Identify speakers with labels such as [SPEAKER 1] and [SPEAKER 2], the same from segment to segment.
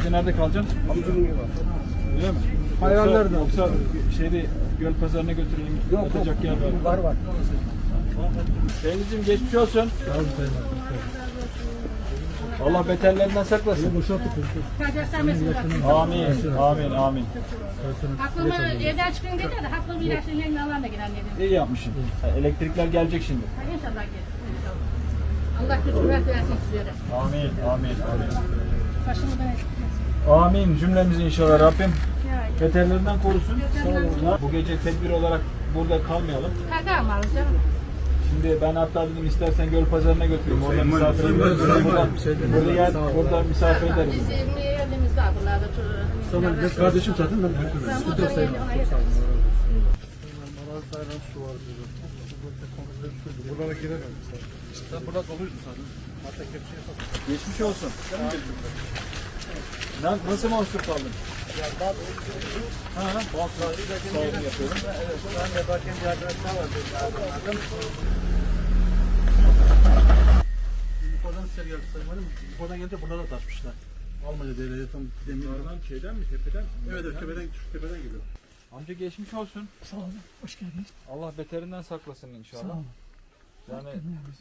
[SPEAKER 1] Gece nerede kalacaksın? Öyle mi?
[SPEAKER 2] Hayvanlar da.
[SPEAKER 1] Yoksa şeyde göl pazarına götürelim. Yatacak yer var.
[SPEAKER 2] Var.
[SPEAKER 1] Teyzeciğim geçmiş olsun. Allah beterlerinden saklasın. Amin.
[SPEAKER 3] Aklımı evden çıkayım dedi de haklımı ilaçların yanına alan da giren dedim.
[SPEAKER 1] İyi yapmışsın. Elektrikler gelecek şimdi.
[SPEAKER 3] İnşallah gelir. Allah güç kuvvet versin sizlere.
[SPEAKER 1] Amin.
[SPEAKER 3] Başımı da
[SPEAKER 1] Amin cümlemizi inşallah Rabbim
[SPEAKER 3] yani.
[SPEAKER 1] beterlerinden korusun. Bu gece tedbir olarak burada kalmayalım.
[SPEAKER 3] Kalkamaz canım.
[SPEAKER 1] Şimdi ben hatta dedim istersen göl pazarına götüreyim. Orada misafir ederiz. Burada misafir ederiz.
[SPEAKER 3] Bizim yerimiz var buralarda.
[SPEAKER 2] Tamam, biz kardeşim zaten ben götürürüm. Sıkıntı yok sayın. Buralara giremem. Sen burada doluydun zaten. Hatta kepçeye sok.
[SPEAKER 1] Geçmiş olsun. Nasıl mahsur kaldın? Sağlık yapıyorum.
[SPEAKER 2] Evet, ben de bakayım bir arkadaşlar var. Yukarıdan size geldi sayın valim. Yukarıdan gelince bunlara da taşmışlar. Almanya devleti tam demir.
[SPEAKER 1] Yukarıdan şeyden mi tepeden mi?
[SPEAKER 2] Evet, tepeden geliyor.
[SPEAKER 1] Amca geçmiş olsun.
[SPEAKER 4] Sağ olun, hoş geldiniz.
[SPEAKER 1] Allah beterinden saklasın inşallah.
[SPEAKER 4] Sağ olun.
[SPEAKER 1] Yani
[SPEAKER 4] Korkutmuyor bizi.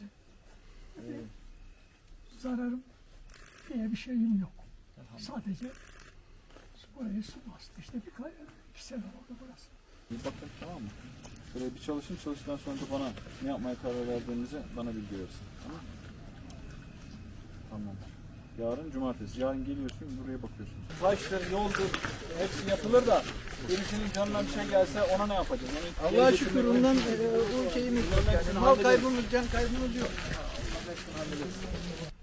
[SPEAKER 4] Zararım diye bir şeyim yok. Sadece burayı su bastı. İşte bir sene oldu burası.
[SPEAKER 1] bir bakın tamam mı? Böyle bir çalışın çalıştıktan sonra da bana ne yapmaya karar verdiğinizi bana bilgi verirsin. Tamam mı? Tamam. Yarın cumartesi. Yarın geliyorsun buraya bakıyorsun. Taştır, yoldur hepsi yapılır da birisinin canına bir şey gelse ona ne yapacağız? Yani
[SPEAKER 2] Allah'a şükür ondan bu şeyimiz yok. Yani mal kaybımız, can kaybımız yok.